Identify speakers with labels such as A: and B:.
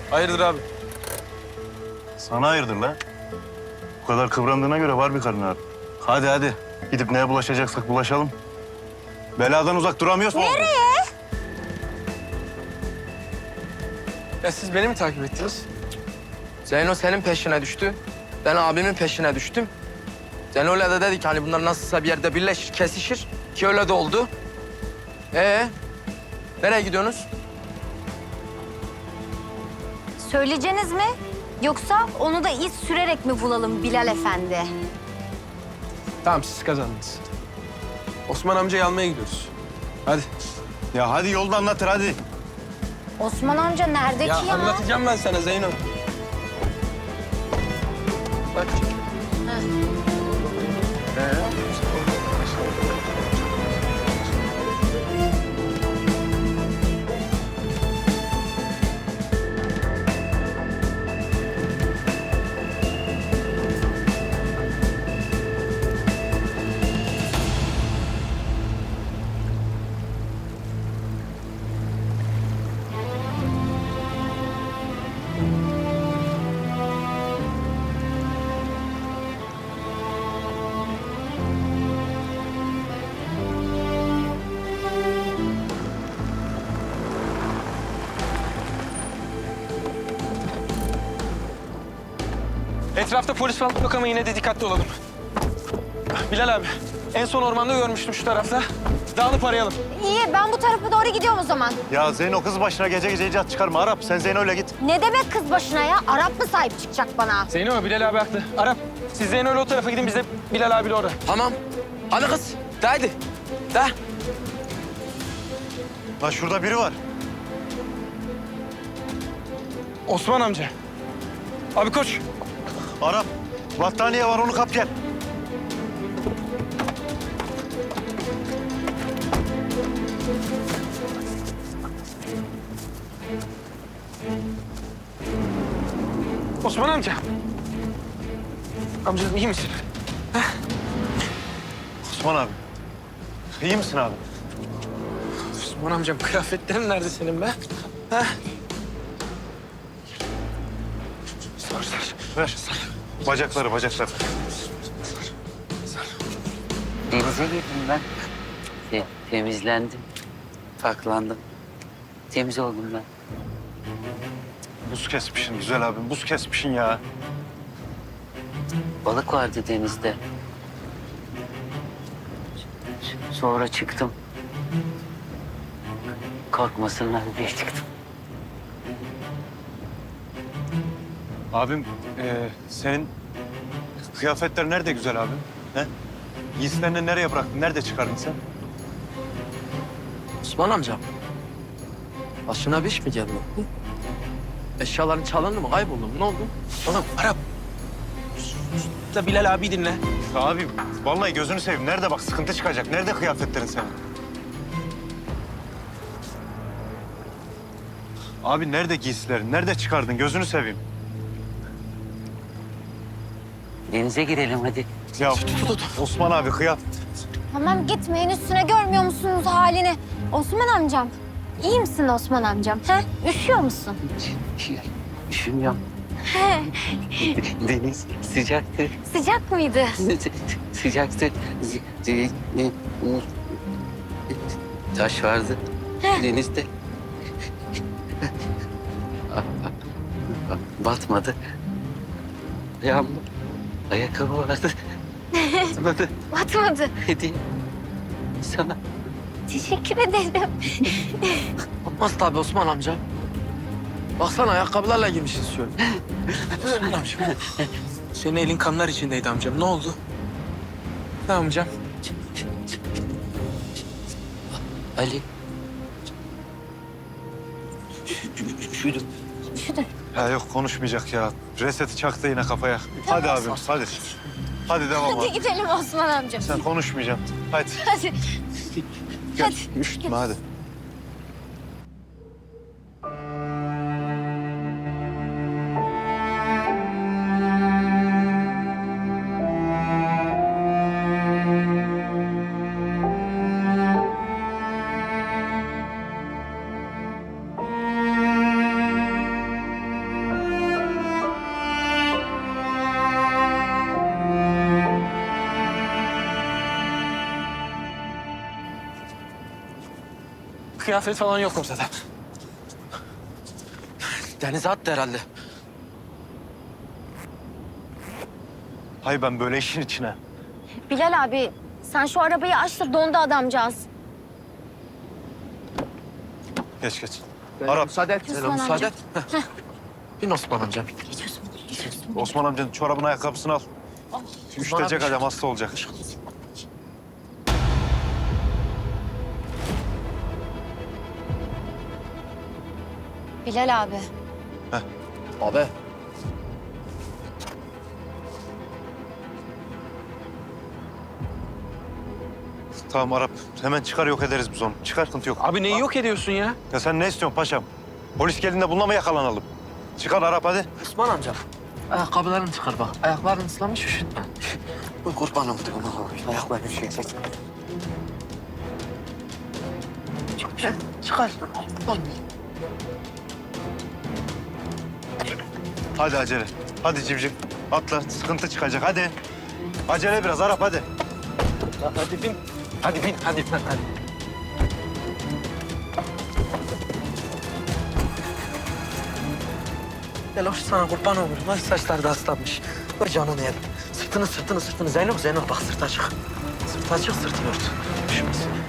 A: Hayırdır abi?
B: Sana hayırdır lan? Bu kadar kıvrandığına göre var bir karın ağrı. Hadi hadi. Gidip neye bulaşacaksak bulaşalım. Beladan uzak duramıyoruz mu?
C: Nereye?
A: Ya siz beni mi takip ettiniz?
D: Zeyno senin peşine düştü. Ben abimin peşine düştüm. Zeyno öyle de dedi ki hani bunlar nasılsa bir yerde birleşir, kesişir. Ki öyle de oldu. Nereye gidiyorsunuz?
C: Söyleyeceğiniz mi? Yoksa onu da iz sürerek mi bulalım Bilal Efendi?
A: Tamam siz kazandınız. Osman amcayı almaya gidiyoruz. Hadi.
B: Ya hadi yolda anlatır hadi.
C: Osman amca nerede
A: Ya
C: ki ya?
A: anlatacağım ben sana Zeyno. Bak. Etrafta polis falan yok ama yine de dikkatli olalım. Bilal abi, en son ormanda görmüştüm şu tarafta. Dağılıp arayalım.
C: İyi, ben bu tarafa doğru gidiyorum o zaman.
B: Ya Zeyno kız başına gece gece icat çıkarma. Arap sen Zeyno'yla git.
C: Ne demek kız başına ya? Arap mı sahip çıkacak bana?
A: Zeyno, Bilal abi haklı. Arap, siz Zeyno'yla o tarafa gidin, biz de Bilal abiyle oraya.
D: Tamam. Hadi kız. De haydi. De.
B: Lan şurada biri var.
A: Osman amca. Abi koş.
B: Arap. Battaniye var onu kap gel.
A: Osman amca. Amcacığım iyi misin?
B: Osman abi. İyi misin abi?
A: Osman amcam, kıyafetlerin nerede senin be? Ha? Sar, sar.
B: Ver. Bacakları.
E: Denize girdim ben. Temizlendim. Paklandım. Temiz oldum ben.
B: Buz kesmişsin güzel abim. Buz kesmişsin ya.
E: Balık vardı denizde. Sonra çıktım. Korkmasınlar diye çıktım.
B: Abim senin kıyafetler nerede güzel abim? He? Giysilerini nereye bıraktın? Nerede çıkardın sen?
D: Osman amcam. Başına bir iş mi geldi? Hı? Eşyaların çalındı mı? Kayboldu mu? Ne oldu?
A: Oğlum Arap. Da Bilal abi dinle.
B: Ya abim vallahi gözünü seveyim. Nerede bak sıkıntı çıkacak. Nerede kıyafetlerin senin? Abi nerede giysilerin? Nerede çıkardın? Gözünü seveyim.
E: Denize girelim hadi.
B: Ya Osman abi kıyafet.
C: Tamam gitmeyin üstüne, görmüyor musunuz halini? Osman amcam. İyi misin Osman amcam? He? Üşüyor musun?
E: Üşümüyorum.
C: He.
E: Deniz sıcaktı.
C: Sıcak mıydı?
E: Sıcaktı. Taş vardı denizde. Batmadı. Ayağımda ayakkabı vardı. Batmadı.
C: Batmadı.
E: Hediye sana.
C: Teşekkür ederim.
D: Olmaz tabii Osman amca. Baksana ayakkabılarla girmişiz şöyle.
A: Osman amcam. Senin elin kanlar içindeydi amcam. Ne oldu? Ne amcam?
E: Ali. Üşüdüm.
C: Üşüdüm.
B: Ya yok konuşmayacak ya. Reseti çaktı yine kafaya. Hadi abim hadi. Hadi devam
C: Hadi
B: abi.
C: gidelim Osman amcam.
B: Sen konuşmayacaksın. Hadi.
C: Hadi.
B: Gel. Üşütme hadi.
A: Kıyafet falan yok ortada.
D: Denize attı herhalde.
B: Hay ben böyle işin içine.
C: Bilal abi sen şu arabayı aç da dondu adamcağız.
B: Geç geç.
D: Zeyno,
B: Arap.
D: müsaade et. Zeyno,
C: Osman
D: müsaade
C: amca.
D: et. Heh. Bin Osman amcam.
C: Geç Osman, geç Osman.
B: Osman amcanın çorabını ayakkabısını al. Üşütecek
D: abi.
B: adam hasta olacak.
C: Bilal abi.
D: Abi.
B: Tamam Arap. Hemen çıkar yok ederiz biz onu. Çıkar sıkıntı yok.
A: Abi neyi yok ediyorsun ya?
B: Ya sen ne istiyorsun paşam? Polis geldiğinde bununla mı yakalanalım? Çıkar Arap hadi.
D: Osman amcam. Ayakkabılarını çıkar bak. Ayakların ıslanmış üşütme. Bu kurban oldum ona. Ayaklarını üşüyecek. Çıkar.
B: Hadi acele. Hadi civciv. Atla. Sıkıntı çıkacak hadi. Acele biraz Arap hadi.
A: Hadi bin. Hadi bin, hadi.
D: Gel hoş sana kurban olurum. Ay saçları da ıslanmış. Vay canını yedim. Sırtını. Zeynep bak sırt açık. Sırt açık sırtını ört. Üşümesin.